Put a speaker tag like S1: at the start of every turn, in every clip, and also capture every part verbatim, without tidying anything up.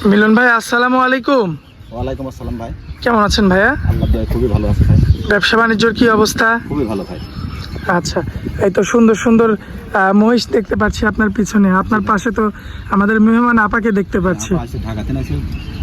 S1: মিলন ভাই আসসালামু আলাইকুম।
S2: ওয়ালাইকুম আসসালাম ভাই।
S1: কেমন আছেন ভাইয়া?
S2: আল্লাহ দয়ায় খুবই ভালো আছি ভাই।
S1: ব্যবসা বাণিজ্যর কি অবস্থা?
S2: খুবই ভালো ভাই।
S1: আচ্ছা, এই তো সুন্দর সুন্দর আহ, মহিষ দেখতে পাচ্ছি আপনার পিছনে, আপনার পাশে তো আমাদের মেহমান আপাকে দেখতে পাচ্ছি।
S2: আসে ঢাকাতে নাইছে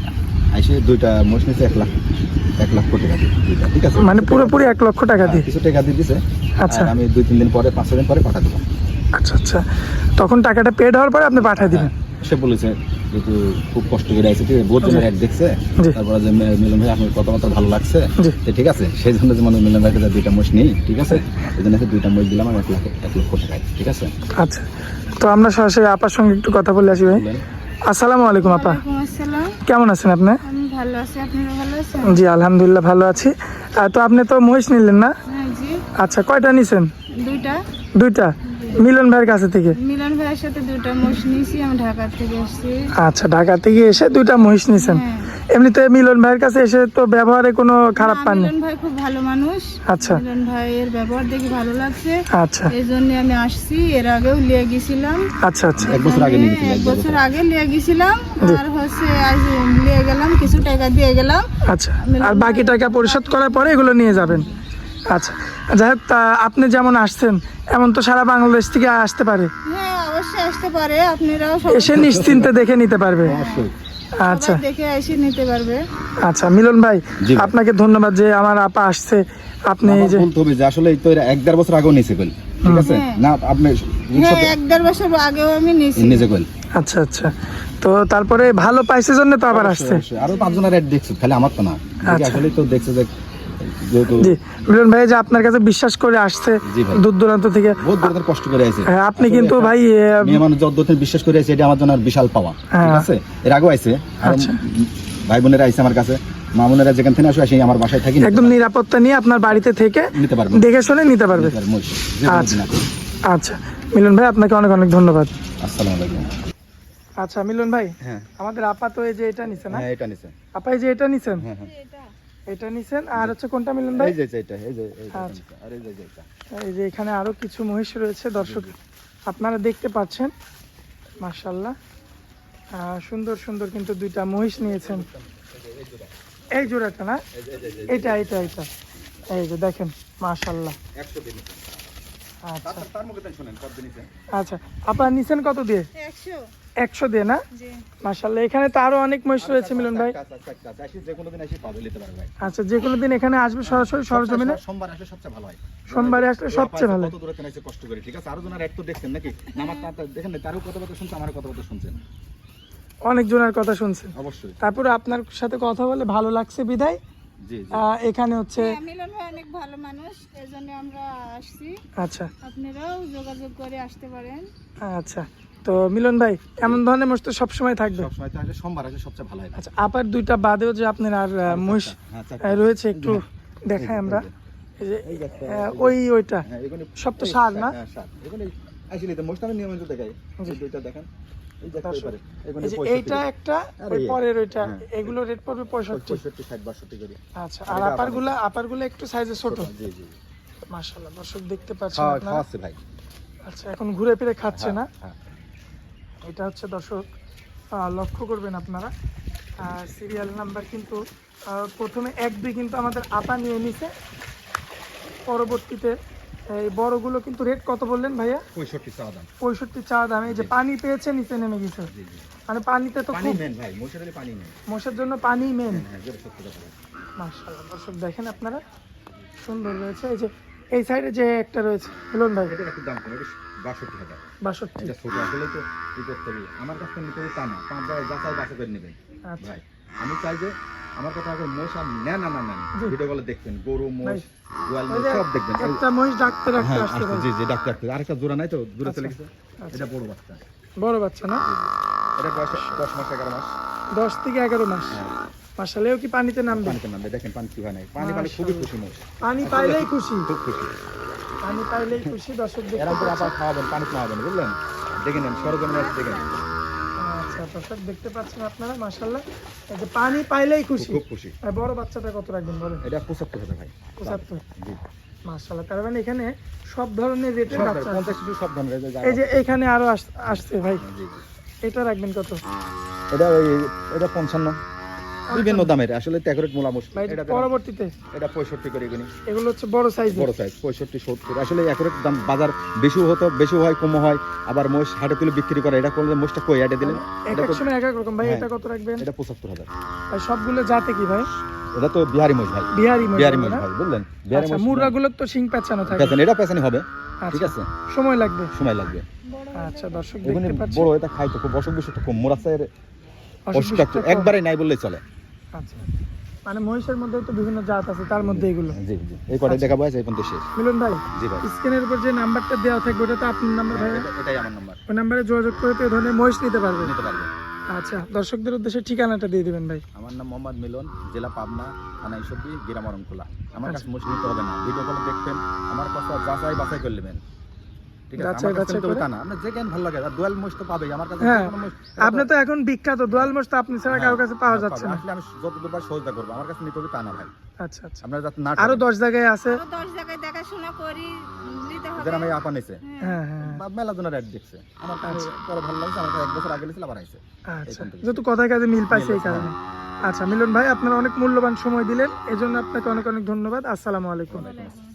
S2: আইসে দুইটা মহিষ নিয়েছে এক লাখ এক লাখ কোটি টাকা দিয়ে দুইটা, ঠিক আছে?
S1: মানে পুরোপুরি এক লক্ষ টাকা দিয়ে?
S2: কিছু টাকা দিয়ে দিছে।
S1: আচ্ছা,
S2: আর আমি দুই তিন দিন পরে পাঁচ ছয় দিন পরে পাঠা দেবো।
S1: আচ্ছা আচ্ছা, তখন টাকাটা পেড হওয়ার পরে আপনি পাঠিয়ে দিবেন।
S2: সে বলেছে যেহেতু খুব কষ্ট করে আইছে, ঠিক আছে, বহুত জনের অ্যাড দেখছে,
S1: জি।
S2: তারপরে যে মে- মিলন ভাই আপনার কথাবার্তা ভালো লাগছে,
S1: জি।
S2: তো ঠিক আছে, সেই জন্য যে মানে মিলন ভাইকে যে দুইটা মহিষ নেই, ঠিক আছে, এই জন্য দুইটা মহিষ দিলাম আমি এক লাখ এক লক্ষ টাকায়, ঠিক আছে?
S1: আচ্ছা, তো আমরা সরাসরি আপার সঙ্গে একটু কথা বলে আসি ভাই।
S2: বললেন।
S1: আসসালামু আলাইকুম আপা,
S3: ওয়ালাইকুম আসসালাম।
S1: কেমন আছেন আপনি?
S3: আমি ভালো আছি, আপনারা ভালো আছেন?
S1: জি আলহামদুলিল্লাহ ভালো আছি। আহ, তো আপনি তো মহিষ নিলেন না?
S3: হ্যাঁ জি,
S1: আচ্ছা, কয়টা নিছেন?
S3: দুইটা।
S1: দুইটা মিলন ভাইয়ের কাছে থেকে?
S3: মিলন ভাইয়ের সাথে দুইটা মোষ নিয়েছি, আমি ঢাকা থেকে আসছি।
S1: আচ্ছা, ঢাকা থেকে এসে দুইটা মহিষ নিছেন।
S3: হ্যাঁ।
S1: এমনিতে মিলন ভাইয়ের কাছে এসে তো ব্যবহারে কোনো খারাপ
S3: না,
S1: পাননি?
S3: মিলন ভাই খুব ভালো মানুষ।
S1: আচ্ছা।
S3: মিলন ভাইয়ের ব্যবহার দেখে ভালো লাগছে,
S1: আচ্ছা
S3: এই জন্য আমি আসছি। এর আগেও লিয়ে গেছিলাম,
S1: আচ্ছা আচ্ছা
S2: এক বছর আগে নিয়ে গেছিল,
S3: এক
S2: এক
S3: বছর আগে লিয়ে গেছিলাম,
S1: জি।
S3: আর হচ্ছে আজ লিয়ে গেলাম, কিছু টাকা দিয়ে গেলাম।
S1: আচ্ছা, আর বাকি টাকা পরিশোধ করার পরে এগুলো নিয়ে যাবেন। আচ্ছা, যাই হোক, তা আপনি যেমন আসছেন এমন তো সারা বাংলাদেশ থেকে আসতে পারে,
S3: হ্যাঁ অবশ্যই আসতে পারে, আপনারাও সবাই
S1: এসে নিশ্চিন্তে দেখে নিতে পারবে।
S2: অবশ্যই।
S1: আচ্ছা
S3: দেখে এসে নিতে পারবে।
S1: আচ্ছা, মিলন ভাই
S2: জি ভাই।
S1: আপনাকে ধন্যবাদ যে আমার আপা আসছে। আপনি এই
S2: আমার
S1: যে
S2: বলতে হবে যে আসলে এই তো এরা এক দেড় বছর আগেও নিয়েছে কইল, ঠিক আছে
S3: হ্যাঁ।
S2: না? আপনি
S3: হ্যাঁ এক দেড় বছর আগেও আমি নিয়েছি।
S2: নিজে কইল।
S1: আচ্ছা আচ্ছা, তো তারপরে ভালো পাইছে জন্য তো আবার আসছে।
S2: আরো পাঁচজনের অ্যাড দেখছো, খালি আমার তো না,
S1: আচ্ছা।
S2: আসলে তো দেখছে যে যেহেতু
S1: জি মিলন ভাই যে আপনার কাছে বিশ্বাস করে আসছে
S2: জি ভাই।
S1: দূর দূরান্ত থেকে।
S2: বহুত দূর কষ্ট করে আছে।
S1: হ্যাঁ, আপনি কিন্তু ভাই আহ,
S2: মেয়ে মানুষ যতদিন বিশ্বাস করে আছে, এটা আমার জন্য আর বিশাল পাওয়া, ঠিক
S1: হ্যাঁ।
S2: আছে? এর আগেও আইছে, আর
S1: আচ্ছা।
S2: ভাই বোনেরা আইছে আমার কাছে, মা বোনেরা যেখান থেকে আসে আসে আমার বাসায় থাকি,
S1: একদম নিরাপত্তা নিয়ে আপনার বাড়িতে থেকে
S2: নিতে পারবে,
S1: দেখে শুনে নিতে পারবে। আচ্ছা। আচ্ছা মিলন ভাই, আপনাকে অনেক অনেক ধন্যবাদ।
S2: আসসালামু আলাইকুম।
S1: আচ্ছা মিলন ভাই,
S2: হ্যাঁ
S1: আমাদের আপা তো এই যে এটা নিছেন না?
S2: হ্যাঁ এটা নিছে।
S1: আপা এই যে এটা নিছেন,
S2: হ্যাঁ হ্যাঁ
S1: এটা নিছেন, আর হচ্ছে কোনটা মিলন ভাই?
S2: এই যে এটা এই যে এই যে
S1: আচ্ছা।
S2: আর এই যে এটা
S1: এই যে এখানে আরো কিছু মহিষ রয়েছে, দর্শক আপনারা দেখতে পাচ্ছেন। মাশাআল্লাহ, আহ, সুন্দর সুন্দর কিন্তু দুইটা মহিষ নিয়েছেন। এই জোড়াটা না? এটা এটা এটা এই যে দেখেন, মাশাআল্লাহ।
S2: একশো দিন।
S1: আচ্ছা
S2: তার মুখে তাই শুনেন কত দিন।
S1: আচ্ছা, আপনারা নিছেন কত দিয়ে?
S3: একশো।
S1: একশো দিয়ে না?
S3: জি।
S1: মাশাআল্লাহ, এখানে তো আরো অনেক মহিষ রয়েছে মিলন ভাই।
S2: আসি যে কোনো দিন আসি পাবে, নিতে পারবে ভাই।
S1: আচ্ছা, যে কোনো দিন এখানে আসবে সরাসরি সরজমিনে?
S2: সোমবার আসলে সবচেয়ে ভালো হয়।
S1: সোমবারে আসলে সবচেয়ে ভালো।
S2: কত দূরে থেকে কষ্ট করে, ঠিক আছে? আরো জনের এক তো দেখছেন নাকি? আমার তার দেখেন না, তারও কথা কথা শুনছে, আমারও কথা কথা শুনছেন,
S1: অনেক জনের কথা শুনছেন,
S2: অবশ্যই।
S1: তারপরে আপনার সাথে কথা বলে ভালো লাগছে বিদায়
S2: জি জি।
S1: আহ, এখানে হচ্ছে।
S3: হ্যাঁ, মিলন ভাই অনেক ভালো মানুষ, এই জন্য আমরা আসছি।
S1: আচ্ছা
S3: আপনারাও যোগাযোগ করে আসতে পারেন।
S1: আচ্ছা, তো মিলন ভাই এমন ধরনের মহিষ তো সবসময় থাকবে?
S2: সবসময় তো আসলে সোমবার আসলে সবচেয়ে ভালো হয়।
S1: আচ্ছা, আপার দুইটা বাদেও যে আপনার আর আহ, মহিষ
S2: হ্যাঁ,
S1: আহ,
S2: চারটা।
S1: রয়েছে, একটু দেখাই আমরা। এই যে
S2: এই যে একটা,
S1: আহ, ওই ওইটা
S2: হ্যাঁ, এখানে
S1: সব তো
S2: এই
S1: সার না?
S2: হ্যাঁ, সার। এখানে আসলে তো মোস্ট আমি নিয়মিত দেখাই। এই দুইটা দেখেন, এই যে একটা
S1: দর্শক,
S2: এবারে, এখানে
S1: এই যে
S2: পঁয়ষট্টি
S1: এইটা
S2: করে।
S1: একটা,
S2: আর
S1: ওই
S2: এই-
S1: পরের ওইটা,
S2: হ্যাঁ।
S1: এগুলো রেট পড়বে পঁয়ষট্টি।
S2: পঁয়ষট্টি, ষাট, বাষট্টি করে।
S1: আচ্ছা, আর আপার গুলা আপার গুলা একটু সাইজে ছোট।
S2: জি জি।
S1: মাশাআল্লাহ, দর্শক দেখতে পাচ্ছেন
S2: খাওয়া
S1: আপনারা।
S2: খাওয়াচ্ছে ভাই।
S1: আচ্ছা, এখন ঘুরে ফিরে খাচ্ছে না?
S2: হ্যাঁ।
S1: এটা হচ্ছে দর্শক, আহ, লক্ষ্য করবেন আপনারা, সিরিয়াল নাম্বার কিন্তু আহ, প্রথমে এক দুই কিন্তু আমাদের আপা নিয়ে নিছে, পরবর্তীতে এই বড়গুলো কিন্তু রেট কত বললেন ভাইয়া?
S2: পঁয়ষট্টি চাওয়া দাম।
S1: পঁয়ষট্টি চা দাম। এই যে পানি পেয়েছে নিচে নেমে গেছে,
S2: জি জি।
S1: মানে পানিতে তো
S2: পানি
S1: খুব,
S2: মেন ভাই, মোষের হলে পানি মেন।
S1: মোষের জন্য পানি মেন।
S2: হ্যাঁ, যেটা সত্যি কথা ভাই।
S1: মাশাআল্লাহ, দর্শক দেখেন আপনারা, সুন্দর রয়েছে। এই যে এই সাইডে যে একটা রয়েছে মিলন ভাই,
S2: এটার একটু দাম কম, এটা বাষট্টি হাজার।
S1: বাষট্টি।
S2: এটা ছোট আসলে তো ই করতে হবে। আমার কাছ থেকে নিতে হবে তা না, পাঁচ জায়গায় যাচাই বাছাই করে নেবেন
S1: আচ্ছা
S2: ভাই। আমি চাই যে আমার কথা আগে মোষ আর নেন না না নেন,
S1: জি।
S2: ভিডিও বলে দেখবেন, গরু মোষ
S1: ভাই,
S2: গোয়াল
S1: ওই
S2: মোষ
S1: যে
S2: সব দেখবেন। এই-
S1: একটা মহিষ ডাকতে রাখতে
S2: হ্যাঁ
S1: আসতে
S2: আসতে,
S1: পারে।
S2: জি জি, ডাক্তার ডাক্তার। আরেকটা জোড়া নাই তো, দূরে চলে
S1: আচ্ছা,
S2: গেছে।
S1: আচ্ছা।
S2: এটা বড় বাচ্চা,
S1: বড় বাচ্চা না?
S2: এটা বয়স দশ মাস এগারো মাস।
S1: দশ থেকে এগারো মাস।
S2: হ্যাঁ,
S1: মাশাআল্লাহ, এও কি পানিতে নামবে?
S2: পানিতে নামবে, দেখেন পানি কি হয় নাই। পানি পানি খুবই খুশি মোষ,
S1: পানি পাইলেই খুশি,
S2: খুব খুশি।
S1: পানি পাইলেই খুশি। দর্শক দেখতে
S2: এরকম করে
S1: পাচ্ছেন।
S2: আবার খাওয়াবেন, পানি খাওয়াবেন, বুঝলেন? দেখে নেন, সরজমিনে এসে দেখে নেন।
S1: আচ্ছা দর্শক দেখতে পাচ্ছেন আপনারা, মাশাআল্লাহ, এই যে পানি পাইলেই খুশি।
S2: খুব খুশি।
S1: আর বড় বাচ্চাটা কত রাখবেন বলেন?
S2: এটা পঁচাত্তর হাজার ভাই।
S1: পঁচাত্তর।
S2: জি।
S1: মাশাআল্লাহ, তার মানে এখানে সব ধরনের রেটের
S2: সব
S1: বাচ্চা আছে।
S2: পঞ্চাশ টু সব ধরনের, এই যে
S1: এই যে এখানে আরো আস- আসছে ভাই,
S2: জি জি।
S1: এটা রাখবেন কত?
S2: এটা ওই এটা পঞ্চান্ন, বিভিন্ন দামের আসলে ট্যাকরেট মোলা মোষ।
S1: ভাই
S2: এটা
S1: পরবর্তীতে
S2: এটা পঁয়ষট্টি করে কিনি,
S1: এগুলো হচ্ছে বড় সাইজ।
S2: বড় সাইজ পঁয়ষট্টি সত্তর। আসলে একরেট দাম বাজার বেশিও হতো, বেশিও হয় কমও হয়, আবার মোষ হাটে তুলে বিক্রি করে। এটা করলে মোষটা কই আটে দিলেন,
S1: এক এক সময় এক এক রকম ভাই।
S2: হ্যাঁ।
S1: এটা কত রাখবেন?
S2: এটা পঁচাত্তর হাজার।
S1: ভাই সবগুলো জাতে কি ভাই?
S2: এটা তো বিহারি মোষ ভাই,
S1: বিহারি মোষ
S2: বিহারি মোষ
S1: না?
S2: ভাই, বুঝলেন? বিহারি
S1: আচ্ছা,
S2: মোষ
S1: মুরগাগুলোর তো শিং পেঁচানো থাকে।
S2: পেছনে, এটা পেছনে হবে, ঠিক
S1: আচ্ছা,
S2: আছে,
S1: সময় লাগবে।
S2: সময় লাগবে।
S1: আচ্ছা দর্শক
S2: এগুলো
S1: দেখতে পাচ্ছেন
S2: বড়, এটা খাইতো খুব, অসুখ বিসুখ খুব, মোরাসের
S1: অসুখ
S2: অসুখটা
S1: বিসুখটা কম।
S2: একবারে নাই বললেই চলে।
S1: আচ্ছা, মানে মহিষের মধ্যে তো বিভিন্ন জাত আছে, তার মধ্যে এগুলো।
S2: জি জি, এই কটাই
S1: আচ্ছা।
S2: দেখাবো, আছে এই পর্যন্ত শেষ।
S1: মিলন ভাই,
S2: জি ভাই,
S1: স্ক্রিনের উপর যে নাম্বারটা দেওয়া থাকবে ওটা তো আপনার নাম্বার ভাই,
S2: এটা- এটাই আমার নাম্বার,
S1: ওই নাম্বারে যোগাযোগ করে তো এই ধরনের মহিষ নিতে পারবেন।
S2: নিতে পারবে।
S1: আচ্ছা, দর্শকদের উদ্দেশ্যে ঠিকানাটা দিয়ে দিবেন ভাই।
S2: আমার নাম মোহাম্মদ মিলন, জেলা পাবনা, থানা ঈশ্বরদী, গ্রাম অরণখোলা। আমার
S1: আচ্ছা।
S2: কাছে মোষ নিতে হবে না, ভিডিও কলে দেখবেন, আমার কথা যাচাই বাছাই করে নেবেন, ঠিক আছে?
S1: যাচাই
S2: আমার কাছে
S1: বাছাই
S2: নিতে হবে
S1: করে?
S2: তা না, আপনার যে কেন ভালো লাগে, আর দোয়াল মোষ তো পাবেই আমার কাছে।
S1: হ্যাঁ,
S2: যে কোনো মোষ,
S1: আপনি তো এখন বিখ্যাত দোয়াল মোষ, তো আপনি ছাড়া কারোর কাছে পাওয়া যাচ্ছে না।
S2: আসলে আমি যতদূর পারি সহযোগিতা করবো, আমার কাছে নিতে হবে তা না ভাই।
S1: আচ্ছা আচ্ছা,
S2: আপনারা যাতে না
S1: আরো
S2: ঠকেন।
S1: দশ জায়গায় আছে।
S3: আরো দশ জায়গায় দেখাশোনা করি, নিতে হবে।
S2: যেন আমি আপা নিছে,
S1: হ্যাঁ হ্যাঁ,
S2: বা মেলা জনের অ্যাড দেখছে, আমার কাছে পরে ভালো লাগছে, আমার কাছে এক বছর আগে গেছিল, আবার আইছে।
S1: আচ্ছা, যেহেতু কথায় কাজে মিল পাইছে এই কারণে। আচ্ছা মিলন ভাই, আপনারা অনেক মূল্যবান সময় দিলেন, এজন্য আপনাকে অনেক অনেক ধন্যবাদ। আসসালামু আলাইকুম।
S3: বলে।